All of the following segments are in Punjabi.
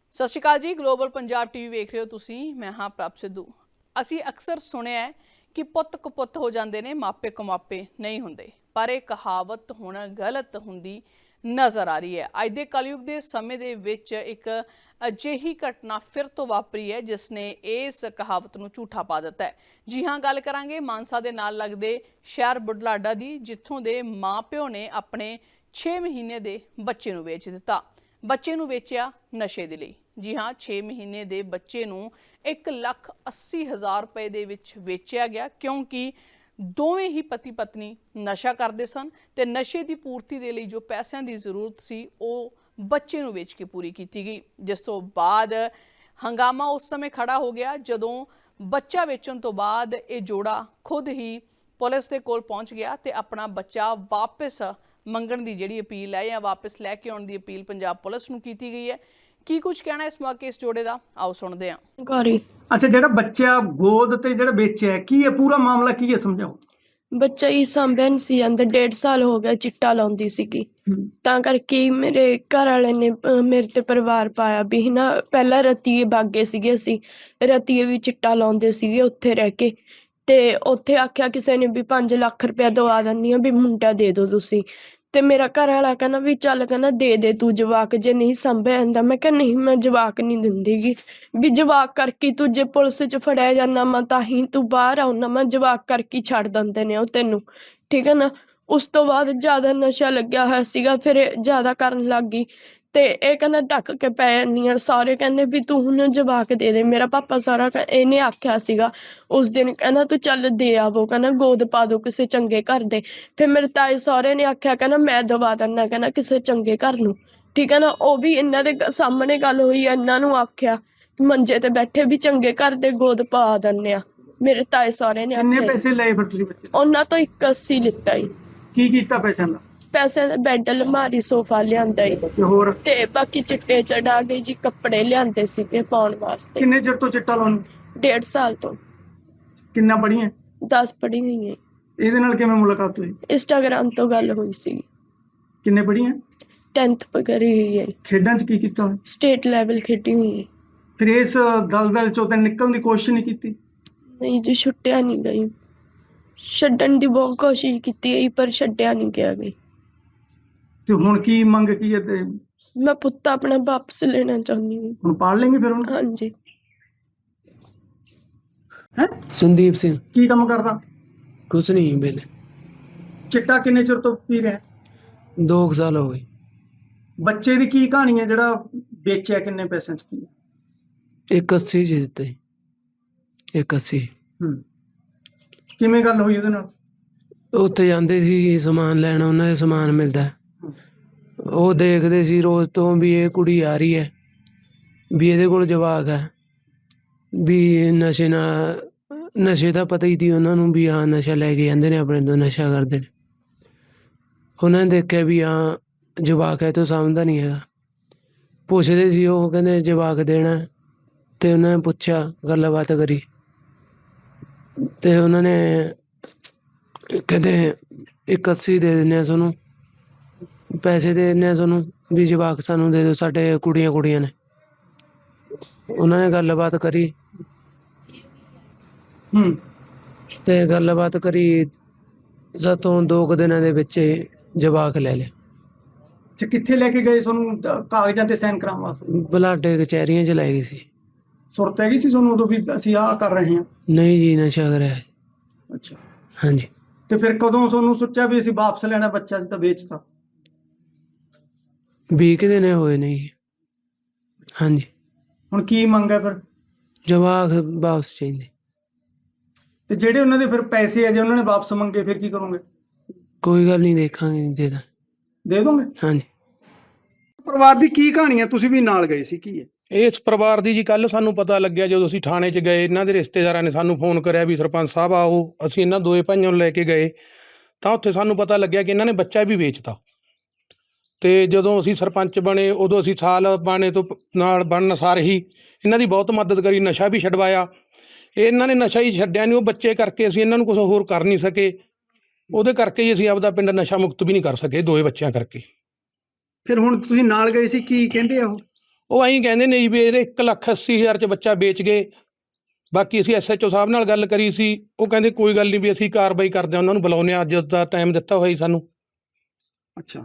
ਸਤਿ ਸ਼੍ਰੀ ਅਕਾਲ ਜੀ। ਗਲੋਬਲ ਪੰਜਾਬ ਟੀਵੀ ਵੇਖ ਰਹੇ ਹੋ ਤੁਸੀਂ। ਮੈਂ ਹਾਂ ਪ੍ਰਭ ਸਿੱਧੂ। ਅਸੀਂ ਅਕਸਰ ਸੁਣਿਆ ਹੈ ਕਿ ਪੁੱਤ ਕਪੁੱਤ ਹੋ ਜਾਂਦੇ ਨੇ, ਮਾਪੇ ਕਮਾਪੇ ਨਹੀਂ ਹੁੰਦੇ, ਪਰ ਇਹ ਕਹਾਵਤ ਹੁਣ ਗਲਤ ਹੁੰਦੀ ਨਜ਼ਰ ਆ ਰਹੀ ਹੈ। ਅੱਜ ਦੇ ਕਲਯੁਗ ਦੇ ਸਮੇਂ ਦੇ ਵਿੱਚ ਇੱਕ ਅਜਿਹੀ ਘਟਨਾ ਫਿਰ ਤੋਂ ਵਾਪਰੀ ਹੈ ਜਿਸ ਨੇ ਇਸ ਕਹਾਵਤ ਨੂੰ ਝੂਠਾ ਪਾ ਦਿੱਤਾ ਹੈ। ਜੀ ਹਾਂ, ਗੱਲ ਕਰਾਂਗੇ ਮਾਨਸਾ ਦੇ ਨਾਲ ਲੱਗਦੇ ਸ਼ਹਿਰ ਬੁਢਲਾਡਾ ਦੀ, ਜਿੱਥੋਂ ਦੇ ਮਾਂ-ਪਿਓ ਨੇ ਆਪਣੇ 6 ਮਹੀਨੇ ਦੇ ਬੱਚੇ ਨੂੰ ਵੇਚ ਦਿੱਤਾ। ਬੱਚੇ ਨੂੰ ਵੇਚਿਆ ਨਸ਼ੇ ਦੇ ਲਈ। ਜੀ ਹਾਂ, 6 ਮਹੀਨੇ ਦੇ ਬੱਚੇ ਨੂੰ 1,80,000 ਰੁਪਏ ਦੇ ਵਿੱਚ ਵੇਚਿਆ ਗਿਆ, ਕਿਉਂਕਿ ਦੋਵੇਂ ਹੀ ਪਤੀ ਪਤਨੀ ਨਸ਼ਾ ਕਰਦੇ ਸਨ ਤੇ ਨਸ਼ੇ ਦੀ ਪੂਰਤੀ ਦੇ ਲਈ ਜੋ ਪੈਸਿਆਂ ਦੀ ਜ਼ਰੂਰਤ ਸੀ ਉਹ ਬੱਚੇ ਨੂੰ ਵੇਚ ਕੇ ਪੂਰੀ ਕੀਤੀ ਗਈ। ਜਿਸ ਤੋਂ ਬਾਅਦ ਹੰਗਾਮਾ ਉਸ ਸਮੇਂ ਖੜਾ ਹੋ ਗਿਆ ਜਦੋਂ ਬੱਚਾ ਵੇਚਣ ਤੋਂ ਬਾਅਦ ਇਹ ਜੋੜਾ ਖੁਦ ਹੀ ਪੁਲਿਸ ਦੇ ਕੋਲ ਪਹੁੰਚ ਗਿਆ ਤੇ ਆਪਣਾ ਬੱਚਾ ਵਾਪਸ ਮੰਗਣ ਦੀ ਜਿਹੜੀ ਅਪੀਲ ਹੈ ਜਾਂ ਵਾਪਸ ਲੈ ਕੇ ਆਉਣ ਦੀ ਅਪੀਲ ਪੰਜਾਬ ਪੁਲਿਸ ਨੂੰ ਕੀਤੀ ਗਈ ਹੈ। ਕੀ ਕੁਝ ਕਹਿਣਾ ਇਸ ਮੌਕੇ ਇਸ ਜੋੜੇ ਦਾ, ਆਓ ਸੁਣਦੇ ਹਾਂ। ਘਰੀ ਅੱਛਾ, ਜਿਹੜਾ ਬੱਚਾ ਗੋਦ ਤੇ ਜਿਹੜਾ ਵੇਚਿਆ ਕੀ ਹੈ, ਪੂਰਾ ਮਾਮਲਾ ਕੀ ਹੈ, ਸਮਝਾਓ। ਬੱਚਾ ਹੀ ਸਾਂਭਿਆ ਨਹੀਂ ਸੀ ਜਾਂਦਾ। 1.5 ਸਾਲ ਹੋ ਗਿਆ ਚਿੱਟਾ ਲਾਉਂਦੀ ਸੀਗੀ, ਤਾਂ ਕਰਕੇ ਹੀ ਮੇਰੇ ਘਰ ਵਾਲੇ ਨੇ ਮੇਰੇ ਤੇ ਪਰਿਵਾਰ ਪਾਇਆ ਵੀ ਨਾ। ਪਹਿਲਾਂ ਰਤੀਏ ਬਾਗੇ ਸੀਗੇ, ਅਸੀਂ ਰਤੀਏ ਵੀ ਚਿੱਟਾ ਲਾਉਂਦੇ ਸੀਗੇ ਉੱਥੇ ਰਹਿ ਕੇ, ਤੇ ਉੱਥੇ ਆਖਿਆ ਕਿਸੇ ਨੇ ਵੀ 5 ਲੱਖ ਰੁਪਇਆ ਦਵਾ ਦਿੰਦੀ ਆ ਵੀ ਮੁੰਡਾ ਦੇ ਦਿਓ ਤੁਸੀਂ। ਤੇ ਮੇਰਾ ਘਰ ਵਾਲਾ ਕਹਿੰਦਾ ਵੀ ਚੱਲ, ਕਹਿੰਦਾ ਦੇ ਦੇ ਤੂੰ ਜਵਾਕ, ਜੇ ਨਹੀਂ ਸਾਂਭਿਆ ਜਾਂਦਾ। ਮੈਂ ਕਿਹਾ ਨਹੀਂ, ਮੈਂ ਜਵਾਕ ਨਹੀਂ ਦਿੰਦੀਗੀ, ਵੀ ਜਵਾਕ ਕਰਕੇ ਤੂੰ ਜੇ ਪੁਲਿਸ 'ਚ ਫੜਿਆ ਜਾਂਦਾ ਮੈਂ ਤਾਂ ਹੀ ਤੂੰ ਬਾਹਰ ਆਉਣਾ, ਮੈਂ ਜਵਾਕ ਕਰਕੇ ਛੱਡ ਦਿੰਦੇ ਨੇ ਉਹ ਤੈਨੂੰ, ਠੀਕ ਹੈ ਨਾ। ਉਸ ਤੋਂ ਬਾਅਦ ਜ਼ਿਆਦਾ ਨਸ਼ਾ ਲੱਗਿਆ ਹੋਇਆ ਸੀਗਾ, ਫਿਰ ਇਹ ਜ਼ਿਆਦਾ ਕਰਨ ਲੱਗ ਗਈ ਤੇ ਇਹ ਕਹਿੰਦਾ ਢੱਕ ਕੇ ਪੈ ਜਾਂਦੀ ਆ। ਸਾਰੇ ਕਹਿੰਦੇ ਵੀ ਤੂੰ ਹੁਣ ਜਵਾਕ ਦੇ ਦੇ। ਮੇਰਾ ਪਾਪਾ ਸਾਰਾ ਇਹਨੇ ਆਖਿਆ ਸੀਗਾ ਉਸ ਦਿਨ, ਕਹਿੰਦਾ ਤੂੰ ਚੱਲ ਦੇ ਆਵੋ, ਕਹਿੰਦਾ ਗੋਦ ਪਾ ਦੋ ਕਿਸੇ ਚੰਗੇ ਘਰ ਦੇ। ਫਿਰ ਮੇਰੇ ਤਾਏ ਸਹੁਰੇ ਨੇ ਆਖਿਆ, ਕਹਿੰਦਾ ਮੈਂ ਦਵਾ ਦਿੰਦਾ, ਕਹਿੰਦਾ ਕਿਸੇ ਚੰਗੇ ਘਰ ਨੂੰ, ਠੀਕ ਹੈ ਨਾ। ਉਹ ਵੀ ਇਹਨਾਂ ਦੇ ਸਾਹਮਣੇ ਗੱਲ ਹੋਈ, ਇਹਨਾਂ ਨੂੰ ਆਖਿਆ ਮੰਜੇ ਤੇ ਬੈਠੇ ਵੀ ਚੰਗੇ ਘਰ ਦੇ ਗੋਦ ਪਾ ਦਿੰਦੇ ਆ। ਮੇਰੇ ਤਾਏ ਸਹੁਰੇ ਨੇ ਕਿੰਨੇ ਆਖਿਆ। ਪੈਸੇ ਲਏ ਫਿਰ ਤੁਸੀਂ ਬੱਚੇ ਤੋਂ? ਉਹਨਾਂ ਤੋਂ 81 ਲਿੱਤਾ ਈ। ਕੀ ਕੀਤਾ ਪੈਸਿਆਂ ਦਾ? ਪੈਸੇ ਦਾ ਬੈੱਡ, ਅਲਮਾਰੀ, ਸੋਫਾ ਲਿਆਂਦਾ ਈ, ਤੇ ਹੋਰ ਤੇ ਬਾਕੀ ਚਿੱਟੇ ਚੜਾ ਗਏ ਜੀ, ਕੱਪੜੇ ਲਿਆਂਦੇ ਸੀਗੇ ਪਾਉਣ ਵਾਸਤੇ। ਕਿੰਨੇ ਚਿਰ ਤੋਂ ਚਿੱਟਾ ਲਾਉਣ? 1.5 ਸਾਲ ਤੋਂ। ਕਿੰਨਾ ਪੜੀਆਂ? 10 ਪੜ੍ਹੀ ਹੋਈ ਹੈ। ਇਹਦੇ ਨਾਲ ਕਿਵੇਂ ਮੁਲਾਕਾਤ ਹੋਈ? ਇੰਸਟਾਗ੍ਰਾਮ ਤੋਂ ਗੱਲ ਹੋਈ ਸੀ। ਕਿੰਨੇ ਪੜੀਆਂ? 10th ਕਰੀ ਹੋਈ ਹੈ। ਖੇਡਾਂ 'ਚ ਕੀ ਕੀਤਾ ਹੋਇਆ? ਸਟੇਟ ਲੈਵਲ ਖੇਡੀ ਹੋਈ ਹੈ। ਫਿਰ ਇਸ ਦਲਦਲ ਚੋਂ ਤਾਂ ਨਿਕਲਣ ਦੀ ਕੋਸ਼ਿਸ਼ ਨਹੀਂ ਕੀਤੀ? ਨਹੀਂ ਜੀ, ਛੁੱਟਿਆ ਨਹੀਂ ਗਈ। ਛੱਡਣ ਦੀ ਬਹੁਤ ਕੋਸ਼ਿਸ਼ ਕੀਤੀ ਹੈ ਪਰ ਛੱਡਿਆ ਨਹੀਂ ਗਿਆ ਗਈ। ਤੇ ਹੁਣ ਕੀ ਮੰਗ ਕੀ ਹੈ? ਤੇ ਮੈਂ ਪੁੱਤ ਆਪਣਾ ਵਾਪਸ ਲੈਣਾ ਚਾਹੁੰਦੀ ਹਾਂ। ਹੁਣ ਪਾਲ ਲੈਂਗੇ ਫਿਰ ਉਹਨੂੰ? ਹਾਂਜੀ। ਹੈ ਸੰਦੀਪ ਸਿੰਘ। ਕੀ ਕੰਮ ਕਰਦਾ? ਕੁਛ ਨਹੀਂ ਵੇਲੇ। ਚਿੱਟਾ ਕਿੰਨੇ ਚਿਰ ਤੋਂ ਪੀ ਰਿਹਾ? 2 ਸਾਲ ਹੋ ਗਏ। ਬੱਚੇ ਦੀ ਕੀ ਕਹਾਣੀ ਹੈ ਜਿਹੜਾ ਵੇਚਿਆ? ਕਿੰਨੇ ਪੈਸਿਆਂ 'ਚ ਕੀ? 81 ਜੀ ਦਿੱਤੇ। 81। ਕਿਵੇਂ ਗੱਲ ਹੋਈ ਉਹਦੇ ਨਾਲ? ਉੱਥੇ ਜਾਂਦੇ ਸੀ ਸਮਾਨ ਲੈਣ, ਉਹਨਾਂ ਦੇ ਸਮਾਨ ਮਿਲਦਾ, ਉਹ ਦੇਖਦੇ ਸੀ ਰੋਜ਼ ਤੋਂ ਵੀ ਇਹ ਕੁੜੀ ਆ ਰਹੀ ਹੈ, ਵੀ ਇਹਦੇ ਕੋਲ ਜਵਾਕ ਹੈ, ਵੀ ਨਸ਼ੇ ਦਾ ਪਤਾ ਹੀ ਸੀ ਉਹਨਾਂ ਨੂੰ ਵੀ ਹਾਂ ਨਸ਼ਾ ਲੈ ਕੇ ਜਾਂਦੇ ਨੇ ਆਪਣੇ ਤੋਂ, ਨਸ਼ਾ ਕਰਦੇ ਨੇ। ਉਹਨਾਂ ਨੇ ਦੇਖਿਆ ਵੀ ਹਾਂ ਜਵਾਕ ਹੈ, ਤੋਂ ਸਮਝਦਾ ਨਹੀਂ ਹੈਗਾ। ਪੁੱਛਦੇ ਸੀ, ਉਹ ਕਹਿੰਦੇ ਜਵਾਕ ਦੇਣਾ, ਤੇ ਉਹਨਾਂ ਨੇ ਪੁੱਛਿਆ, ਗੱਲਬਾਤ ਕਰੀ, ਤੇ ਉਹਨਾਂ ਨੇ ਕਹਿੰਦੇ 81 ਦੇ ਦਿੰਦੇ ਆ ਤੁਹਾਨੂੰ, ਪੈਸੇ ਦੇ ਦਿੰਦੇ ਆ ਤੁਹਾਨੂੰ, ਵੀ ਜਵਾਕ ਸਾਨੂੰ ਦੇ ਦਿਓ, ਸਾਡੇ ਕੁੜੀਆਂ ਨੇ। ਉਹਨਾਂ ਨੇ ਗੱਲਬਾਤ ਕਰੀ ਤੇ ਗੱਲਬਾਤ ਕਰੀ ਸਾਤੋਂ 2 ਦਿਨਾਂ ਦੇ ਵਿੱਚ ਜਵਾਕ ਲੈ ਲਿਆ। ਅੱਛਾ, ਕਿੱਥੇ ਲੈ ਕੇ ਗਏ ਤੁਹਾਨੂੰ ਕਾਗਜ਼ਾਂ ਤੇ ਸਾਈਨ ਕਰਾਉਣ ਵਾਸਤੇ? ਬਲਾਡੇ ਕਚਹਿਰੀਆਂ 'ਚ ਲੈ ਗਈ ਸੀ। ਸੁਰਤ ਹੈਗੀ ਸੀ ਤੁਹਾਨੂੰ ਉਦੋਂ ਵੀ ਅਸੀਂ ਆਹ ਕਰ ਰਹੇ ਹਾਂ? ਨਹੀਂ ਜੀ, ਨਸ਼ਾ ਕਰਿਆ। ਅੱਛਾ, ਹਾਂਜੀ। ਤੇ ਫਿਰ ਕਦੋਂ ਤੁਹਾਨੂੰ ਸੋਚਿਆ ਵੀ ਅਸੀਂ ਵਾਪਸ ਲੈਣਾ ਬੱਚਾ? ਅਸੀਂ ਤਾਂ ਵੇਚਤਾ। 20 ਕੁ ਦਿਨ ਹੋਏ ਨੇ ਜੀ। ਹਾਂਜੀ। ਹੁਣ ਕੀ ਮੰਗ ਹੈ ਫਿਰ? ਜਵਾਕ ਵਾਪਸ ਚਾਹੀਦੇ। ਤੇ ਜਿਹੜੇ ਉਹਨਾਂ ਦੇ ਫਿਰ ਪੈਸੇ ਆ, ਜੇ ਉਹਨਾਂ ਨੇ ਵਾਪਸ ਮੰਗੇ ਫਿਰ ਕੀ ਕਰੋਗੇ? ਕੋਈ ਗੱਲ ਨਹੀਂ, ਦੇਖਾਂਗੇ, ਦੇ ਦੋਗੇ? ਹਾਂਜੀ। ਪਰਿਵਾਰ ਦੀ ਕੀ ਕਹਾਣੀ ਹੈ? ਤੁਸੀਂ ਵੀ ਨਾਲ ਗਏ ਸੀ, ਕੀ ਹੈ? ਇਸ ਪਰਿਵਾਰ ਦੀ ਜੀ ਕੱਲ੍ਹ ਸਾਨੂੰ ਪਤਾ ਲੱਗਿਆ ਜਦੋਂ ਅਸੀਂ ਥਾਣੇ 'ਚ ਗਏ। ਇਹਨਾਂ ਦੇ ਰਿਸ਼ਤੇਦਾਰਾਂ ਨੇ ਸਾਨੂੰ ਫੋਨ ਕਰਿਆ ਵੀ ਸਰਪੰਚ ਸਾਹਿਬ ਆਓ। ਅਸੀਂ ਇਹਨਾਂ ਦੋਏ ਭਾਈਆਂ ਨੂੰ ਲੈ ਕੇ ਗਏ ਤਾਂ ਉੱਥੇ ਸਾਨੂੰ ਪਤਾ ਲੱਗਿਆ ਕਿ ਇਹਨਾਂ ਨੇ ਬੱਚਾ ਵੀ ਵੇਚਤਾ। ਅਤੇ ਜਦੋਂ ਅਸੀਂ ਸਰਪੰਚ ਬਣੇ ਉਦੋਂ ਅਸੀਂ ਸਾਲ ਬਾਣੇ ਤੋਂ ਨਾਲ ਬਣਨ ਸਾਰ ਹੀ ਇਹਨਾਂ ਦੀ ਬਹੁਤ ਮਦਦ ਕਰੀ, ਨਸ਼ਾ ਵੀ ਛਡਵਾਇਆ। ਇਹਨਾਂ ਨੇ ਨਸ਼ਾ ਹੀ ਛੱਡਿਆ ਨਹੀਂ, ਉਹ ਬੱਚੇ ਕਰਕੇ ਅਸੀਂ ਇਹਨਾਂ ਨੂੰ ਕੁਛ ਹੋਰ ਕਰ ਨਹੀਂ ਸਕੇ। ਉਹਦੇ ਕਰਕੇ ਹੀ ਅਸੀਂ ਆਪਦਾ ਪਿੰਡ ਨਸ਼ਾ ਮੁਕਤ ਵੀ ਨਹੀਂ ਕਰ ਸਕੇ, ਦੋਏ ਬੱਚਿਆਂ ਕਰਕੇ। ਫਿਰ ਹੁਣ ਤੁਸੀਂ ਨਾਲ ਗਏ ਸੀ, ਕੀ ਕਹਿੰਦੇ ਆ ਉਹ? ਉਹ ਐਂ ਕਹਿੰਦੇ ਨੇ ਜੀ ਵੀ ਇਹਦੇ 1,80,000 'ਚ ਬੱਚਾ ਵੇਚ ਗਏ। ਬਾਕੀ ਅਸੀਂ SHO ਸਾਹਿਬ ਨਾਲ ਗੱਲ ਕਰੀ ਸੀ, ਉਹ ਕਹਿੰਦੇ ਕੋਈ ਗੱਲ ਨਹੀਂ ਵੀ ਅਸੀਂ ਕਾਰਵਾਈ ਕਰਦੇ ਹਾਂ, ਉਹਨਾਂ ਨੂੰ ਬੁਲਾਉਂਦੇ ਹਾਂ, ਅੱਜ ਦਾ ਟਾਈਮ ਦਿੱਤਾ ਹੋਇਆ ਜੀ ਸਾਨੂੰ। ਅੱਛਾ,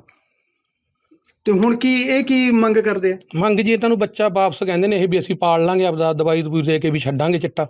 ਤੇ ਹੁਣ ਕੀ ਮੰਗ ਕਰਦੇ ਆ? ਮੰਗ ਜੀ ਇਹਨਾਂ ਨੂੰ ਬੱਚਾ ਵਾਪਸ ਕਹਿੰਦੇ ਨੇ ਇਹ ਵੀ ਅਸੀਂ ਪਾਲ ਲਾਂਗੇ, ਆਪਦਾ ਦਵਾਈ ਦਵੂਈ ਦੇ ਕੇ ਵੀ ਛੱਡਾਂਗੇ ਚਿੱਟਾ।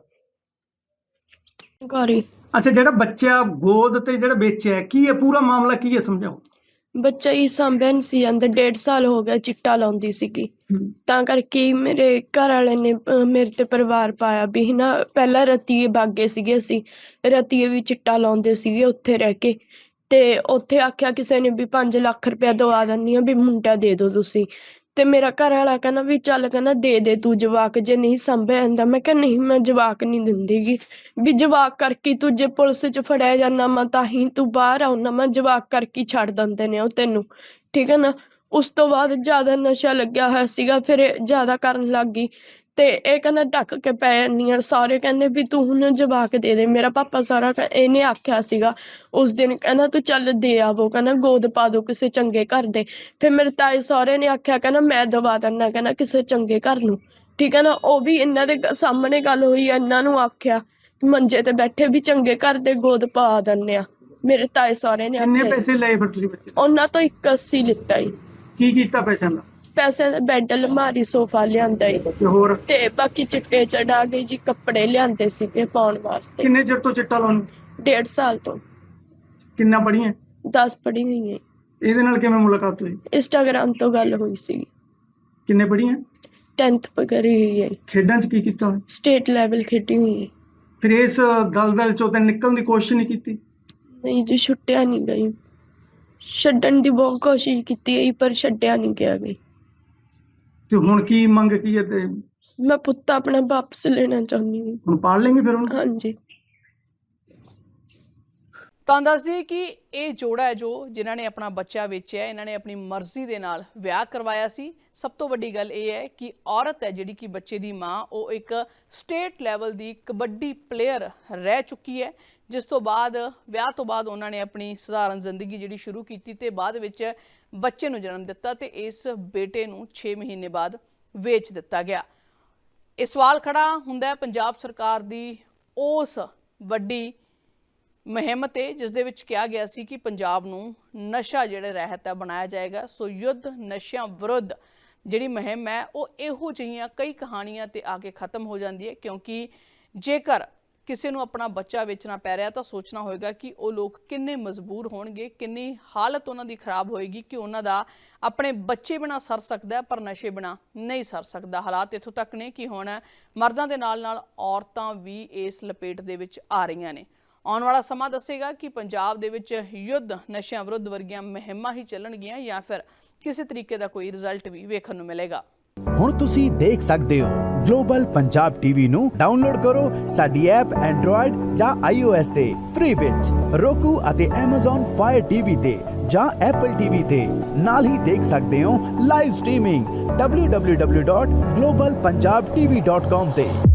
ਘਰ ਹੀ ਅੱਛਾ, ਜਿਹੜਾ ਬੱਚਾ ਗੋਦ ਤੇ ਜਿਹੜਾ ਵੇਚਿਆ ਕੀ ਹੈ, ਪੂਰਾ ਮਾਮਲਾ ਕੀ ਹੈ, ਸਮਝਾਓ। ਬੱਚਾ ਹੀ ਸਾਂਭਿਆ ਨਹੀਂ ਸੀ ਜਾਂਦਾ, 1.5 ਸਾਲ ਹੋ ਗਿਆ ਚਿੱਟਾ ਲਾਉਂਦੀ ਸੀਗੀ। ਤਾਂ ਕਰਕੇ ਹੀ ਮੇਰੇ ਘਰ ਵਾਲੇ ਨੇ ਮੇਰੇ ਤੇ ਪਰਿਵਾਰ ਪਾਇਆ ਵੀ ਹਨਾ। ਪਹਿਲਾਂ ਰਤੀਏ ਬਾਗੇ ਸੀਗੇ, ਅਸੀਂ ਰਤੀਏ ਵੀ ਚਿੱਟਾ ਲਾਉਂਦੇ ਸੀਗੇ ਉੱਥੇ ਰਹਿ ਕੇ। ਤੇ ਉੱਥੇ ਆਖਿਆ ਕਿਸੇ ਨੇ ਵੀ 5 ਲੱਖ ਰੁਪਇਆ ਦਵਾ ਦਿੰਦੀ ਆ ਵੀ ਮੁੰਡਾ ਦੇ ਦਿਓ ਤੁਸੀਂ। ਤੇ ਮੇਰਾ ਘਰ ਵਾਲਾ ਕਹਿੰਦਾ ਵੀ ਚੱਲ, ਕਹਿੰਦਾ ਦੇ ਤੂੰ ਜਵਾਕ, ਜੇ ਨਹੀਂ ਸਾਂਭਿਆ ਜਾਂਦਾ। ਮੈਂ ਕਿਹਾ ਨਹੀਂ, ਮੈਂ ਜਵਾਕ ਨਹੀਂ ਦਿੰਦੀਗੀ, ਵੀ ਜਵਾਕ ਕਰਕੇ ਤੂੰ ਜੇ ਪੁਲਿਸ 'ਚ ਫੜਿਆ ਜਾਂਦਾ ਮੈਂ ਤਾਂ ਹੀ ਤੂੰ ਬਾਹਰ ਆਉਣਾ, ਮੈਂ ਜਵਾਕ ਕਰਕੇ ਛੱਡ ਦਿੰਦੇ ਨੇ ਉਹ ਤੈਨੂੰ, ਠੀਕ ਹੈ ਨਾ। ਉਸ ਤੋਂ ਬਾਅਦ ਜ਼ਿਆਦਾ ਨਸ਼ਾ ਲੱਗਿਆ ਹੋਇਆ ਸੀਗਾ, ਫਿਰ ਇਹ ਜ਼ਿਆਦਾ ਕਰਨ ਲੱਗ ਗਈ। ਤੇ ਇਹ ਕਹਿੰਦਾ ਢੱਕ ਕੇ ਪੈ ਜਾਂਦੀ ਆ। ਸਾਰੇ ਕਹਿੰਦੇ ਵੀ ਤੂੰ ਹੁਣ ਜਵਾਕ ਦੇ ਦੇ। ਮੇਰਾ ਪਾਪਾ ਸਾਰਾ ਇਹਨੇ ਆਖਿਆ ਸੀਗਾ ਉਸ ਦਿਨ, ਕਹਿੰਦਾ ਤੂੰ ਚੱਲ ਦੇ ਆਵੋ, ਕਹਿੰਦਾ ਗੋਦ ਪਾ ਦੋ ਕਿਸੇ ਚੰਗੇ ਘਰ ਦੇ। ਫਿਰ ਮੇਰੇ ਤਾਏ ਸਹੁਰੇ ਨੇ ਆਖਿਆ, ਕਹਿੰਦਾ ਮੈਂ ਦਵਾ ਦਿੰਦਾ, ਕਹਿੰਦਾ ਕਿਸੇ ਚੰਗੇ ਘਰ ਨੂੰ, ਠੀਕ ਹੈ ਨਾ। ਉਹ ਵੀ ਇਹਨਾਂ ਦੇ ਸਾਹਮਣੇ ਗੱਲ ਹੋਈ, ਇਹਨਾਂ ਨੂੰ ਆਖਿਆ ਮੰਜੇ ਤੇ ਬੈਠੇ ਵੀ ਚੰਗੇ ਘਰ ਦੇ ਗੋਦ ਪਾ ਦਿੰਦੇ ਆ। ਮੇਰੇ ਤਾਏ ਸਹੁਰੇ ਨੇ ਕਿੰਨੇ ਆਖਿਆ। ਪੈਸੇ ਲਏ ਫਿਰ ਤੁਸੀਂ ਬੱਚੇ ਤੋਂ? ਉਹਨਾਂ ਤੋਂ 81 ਲਿੱਤਾ ਈ। ਕੀ ਕੀਤਾ ਪੈਸਿਆਂ ਦਾ? ਪੈਸੇ ਦਾ ਬੈੱਡ, ਅਲਮਾਰੀ, ਸੋਫਾ ਲਿਆਂਦਾ ਈ। ਤੇ ਹੋਰ ਤੇ ਬਾਕੀ ਚਿੱਟੇ ਚੜਾ ਕੇ ਜੀ ਕੱਪੜੇ ਲਿਆਂਦੇ ਸੀਗੇ ਪਾਉਣ ਵਾਸਤੇ। ਕਿੰਨੇ ਚਿਰ ਤੋਂ ਚਿੱਟਾ ਲਾਉਣ? 1.5 ਸਾਲ ਤੋਂ। ਕਿੰਨਾ ਪੜ੍ਹੀਆਂ? 10 ਪੜ੍ਹੀ ਹੋਈ ਹੈ। ਇਹਦੇ ਨਾਲ ਕਿਵੇਂ ਮੁਲਾਕਾਤ ਹੋਈ? ਇੰਸਟਾਗ੍ਰਾਮ ਤੋਂ ਗੱਲ ਹੋਈ ਸੀ। ਕਿੰਨੇ ਪੜ੍ਹੀਆਂ? 10th ਕਰੀ ਹੋਈ ਹੈ। ਖੇਡਾਂ 'ਚ ਕੀ ਕੀਤਾ ਹੋਇਆ? ਸਟੇਟ ਲੈਵਲ ਖੇਡੀ ਹੋਈ ਹੈ। ਫਿਰ ਇਸ ਦਲਦਲ 'ਚੋਂ ਤਾਂ ਨਿਕਲਣ ਦੀ ਕੋਸ਼ਿਸ਼ ਨਹੀਂ ਕੀਤੀ? ਨਹੀਂ ਜੀ, ਛੁੱਟਿਆ ਨਹੀਂ ਗਈ। ਛੱਡਣ ਦੀ ਬਹੁਤ ਕੋਸ਼ਿਸ਼ ਕੀਤੀ ਹੈ ਪਰ ਛੱਡਿਆ ਨਹੀਂ ਗਿਆ ਗਈ। ਤੇ ਹੁਣ ਕੀ ਮੰਗ ਕੀ ਹੈ? ਤੇ ਮੈਂ ਪੁੱਤ ਆਪਣਾ ਵਾਪਸ ਲੈਣਾ ਚਾਹੁੰਦੀ ਹਾਂ। ਹੁਣ ਪਾਲ ਲੈਂਗੇ ਫਿਰ ਉਹਨੂੰ? ਹਾਂਜੀ। ਤਾਂ ਦੱਸ ਦਈਏ ਕਿ ਇਹ ਜੋੜਾ ਹੈ ਜੋ ਜਿਨ੍ਹਾਂ ਨੇ ਆਪਣਾ ਬੱਚਾ ਵੇਚਿਆ, ਇਹਨਾਂ ਨੇ ਆਪਣੀ ਮਰਜ਼ੀ ਦੇ ਨਾਲ ਵਿਆਹ ਕਰਵਾਇਆ ਸੀ। ਸਭ ਤੋਂ ਵੱਡੀ ਗੱਲ ਇਹ ਹੈ ਕਿ ਔਰਤ ਹੈ ਜਿਹੜੀ ਕਿ ਬੱਚੇ ਦੀ ਮਾਂ, ਉਹ ਇੱਕ ਸਟੇਟ ਲੈਵਲ ਦੀ ਕਬੱਡੀ ਪਲੇਅਰ ਰਹਿ ਚੁੱਕੀ ਹੈ, ਜਿਸ ਤੋਂ ਬਾਅਦ ਵਿਆਹ ਤੋਂ ਬਾਅਦ ਉਹਨਾਂ ਨੇ ਆਪਣੀ ਸਧਾਰਨ ਜ਼ਿੰਦਗੀ ਜਿਹੜੀ ਸ਼ੁਰੂ ਕੀਤੀ ਤੇ ਬਾਅਦ ਵਿੱਚ ਬੱਚੇ ਨੂੰ ਜਨਮ ਦਿੱਤਾ ਤੇ ਇਸ ਬੇਟੇ ਨੂੰ 6 ਮਹੀਨੇ ਬਾਅਦ ਵੇਚ ਦਿੱਤਾ ਗਿਆ। ਇਹ ਸਵਾਲ ਖੜਾ ਹੁੰਦਾ ਹੈ ਪੰਜਾਬ ਸਰਕਾਰ ਦੀ ਉਸ ਵੱਡੀ ਮੁਹਿੰਮ ਤੇ, ਜਿਸ ਦੇ ਵਿੱਚ ਕਿਹਾ ਗਿਆ ਸੀ ਕਿ ਪੰਜਾਬ ਨੂੰ ਨਸ਼ਾ ਜਿਹੜਾ ਰਹਿਤ ਹੈ ਬਣਾਇਆ ਜਾਏਗਾ। ਸੋ ਯੁੱਧ ਨਸ਼ਿਆਂ ਵਿਰੁੱਧ ਜਿਹੜੀ ਮੁਹਿੰਮ ਹੈ ਉਹ ਇਹੋ ਜਿਹੀਆਂ ਕਈ ਕਹਾਣੀਆਂ ਤੇ ਆ ਕੇ ਖਤਮ ਹੋ ਜਾਂਦੀ ਹੈ, ਕਿਉਂਕਿ ਜੇਕਰ ਕਿਸੇ ਨੂੰ ਆਪਣਾ ਬੱਚਾ ਵੇਚਣਾ ਪੈ ਰਿਹਾ ਤਾਂ ਸੋਚਣਾ ਹੋਏਗਾ ਕਿ ਉਹ ਲੋਕ ਕਿੰਨੇ ਮਜਬੂਰ ਹੋਣਗੇ, ਕਿੰਨੀ ਹਾਲਤ ਉਹਨਾਂ ਦੀ ਖਰਾਬ ਹੋਏਗੀ ਕਿ ਉਹਨਾਂ ਦਾ ਆਪਣੇ ਬੱਚੇ ਬਿਨਾਂ ਸਰ ਸਕਦਾ ਪਰ ਨਸ਼ੇ ਬਿਨਾਂ ਨਹੀਂ ਸਰ ਸਕਦਾ। ਹਾਲਾਤ ਇੱਥੋਂ ਤੱਕ ਨੇ ਕਿ ਹੁਣ ਮਰਦਾਂ ਦੇ ਨਾਲ ਨਾਲ ਔਰਤਾਂ ਵੀ ਇਸ ਲਪੇਟ ਦੇ ਵਿੱਚ ਆ ਰਹੀਆਂ ਨੇ। ਆਉਣ ਵਾਲਾ ਸਮਾਂ ਦੱਸੇਗਾ ਕਿ ਪੰਜਾਬ ਦੇ ਵਿੱਚ ਯੁੱਧ ਨਸ਼ਿਆਂ ਵਿਰੁੱਧ ਵਰਗੀਆਂ ਮੁਹਿੰਮਾਂ ਹੀ ਚੱਲਣਗੀਆਂ ਜਾਂ ਫਿਰ ਕਿਸੇ ਤਰੀਕੇ ਦਾ ਕੋਈ ਰਿਜ਼ਲਟ ਵੀ ਵੇਖਣ ਨੂੰ ਮਿਲੇਗਾ। ਹੁਣ ਤੁਸੀਂ ਦੇਖ ਸਕਦੇ ਹੋ ਗਲੋਬਲ ਪੰਜਾਬ ਟੀਵੀ ਨੂੰ ਡਾਊਨਲੋਡ ਕਰੋ ਸਾਡੀ ਐਪ ਐਂਡਰੋਇਡ ਜਾਂ iOS ਤੇ ਫ੍ਰੀ ਵਿੱਚ, roku ਅਤੇ Amazon Fire TV ਤੇ ਜਾਂ Apple TV ਤੇ ਨਾਲ ਹੀ ਦੇਖ ਸਕਦੇ ਹੋ ਲਾਈਵ ਸਟ੍ਰੀਮਿੰਗ www.globalpunjabtv.com ਤੇ।